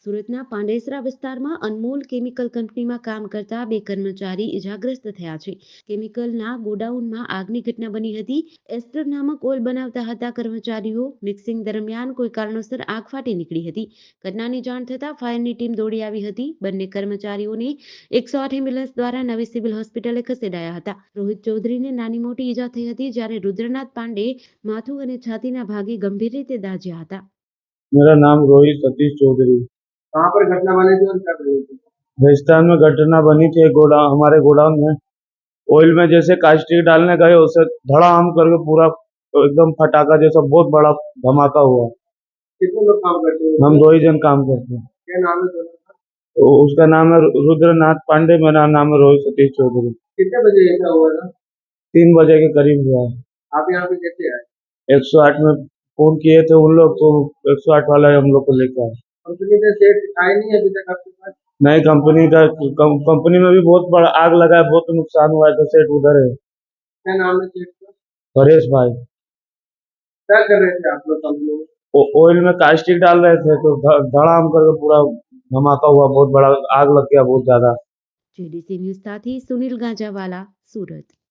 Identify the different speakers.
Speaker 1: સુરતના પાંડેસરા વિસ્તારમાં અનમોલ કેમિકલ કંપનીમાં કામ કરતા બે કર્મચારી ઇજાગ્રસ્ત થયા છે. કેમિકલના ગોડાઉનમાં આગની ઘટના બની હતી. એસ્ટર નામક ઓઇલ બનાવતા હતા કર્મચારીઓ. મિક્સિંગ દરમિયાન કોઈ કારણોસર આગ ફાટી નીકળી હતી. ઘટનાની જાણ થતાં ફાયરની ટીમ દોડી આવી હતી. બંને કર્મચારીઓને 108 એમ્બ્યુલન્સ દ્વારા નવી સિવિલ હોસ્પિટલે ખસેડાયા હતા. રોહિત ચૌધરીને નાની મોટી ઈજા થઈ હતી, જ્યારે રુદ્રનાથ પાંડે માથું અને છાતીના ભાગે ગંભીર રીતે દાઝ્યા હતા.
Speaker 2: मेरा नाम रोहित सतीश चौधरी।
Speaker 3: कहाँ पर घटना बनी थी और क्या हुई थी?
Speaker 2: राजस्थान में घटना बनी थी। हमारे गोडाउन में ऑयल में जैसे कास्टिक डालने गए, उसे धड़ाम करके पूरा एकदम फटाका जैसा बहुत बड़ा धमाका हुआ।
Speaker 3: कितने लोग काम करते हैं?
Speaker 2: हम 2 ही जन काम करते हैं।
Speaker 3: क्या नाम है दोनों का?
Speaker 2: उसका नाम है रुद्रनाथ पांडे, मेरा नाम है रोहित सतीश चौधरी।
Speaker 3: कितने बजे ऐसा हुआ था?
Speaker 2: 3 बजे के करीब हुआ।
Speaker 3: आप यहाँ पे कैसे आए?
Speaker 2: 108 में फोन किए थे उन लोग, तो 108 वाला हम लोग को लेकर आए।
Speaker 3: कंपनी में सेट आए नहीं अभी तक आपके पास?
Speaker 2: नई कंपनी में भी बहुत बड़ा आग लगा है, बहुत नुकसान हुआ है, तो सेट उधर है।
Speaker 3: क्या नाम है सेट का?
Speaker 2: हरेश भाई।
Speaker 3: क्या कर रहे थे आप लोग कंपनी में?
Speaker 2: ऑयल में कास्टिक डाल रहे थे, तो धड़ाम करके पूरा धमाका हुआ, बहुत बड़ा आग लग गया, बहुत ज्यादा।
Speaker 1: જેડીસી ન્યૂઝ સાથે સુનિલ ગાંજાવાલા, સુરત।